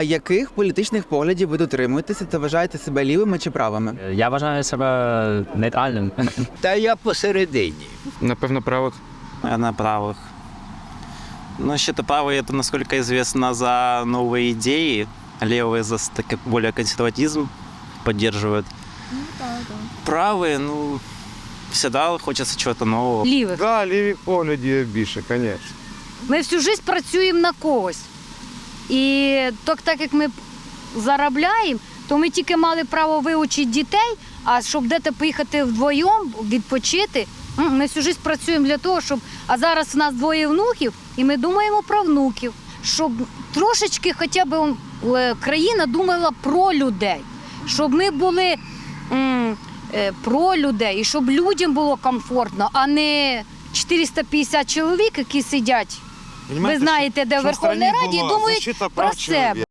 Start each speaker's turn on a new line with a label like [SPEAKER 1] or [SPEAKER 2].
[SPEAKER 1] Яких політичних поглядів ви дотримуєтеся та вважаєте себе лівими чи правими?
[SPEAKER 2] Я вважаю себе нейтральним.
[SPEAKER 3] Та я посередині.
[SPEAKER 4] Напевно, правих.
[SPEAKER 5] Я на правых. Но считаю, правые это, насколько известно, за новые идеи. Левые за более консерватизм поддерживают. Правые, всегда хочется чего-то нового.
[SPEAKER 6] Лівих.
[SPEAKER 4] Да, ліві погляді більше, звісно.
[SPEAKER 6] Ми всю життя працюємо на когось. І так як ми заробляємо, то ми тільки мали право вивчити дітей, а щоб десь поїхати вдвоєм, відпочити, ми всю життя працюємо для того, щоб... А зараз у нас 2 внуків, і ми думаємо про внуків, щоб трошечки хоча б країна думала про людей, щоб ми були про людей, і щоб людям було комфортно, а не 450 чоловік, які сидять, ви знаєте, де в Верховній Раді, і думають про себе.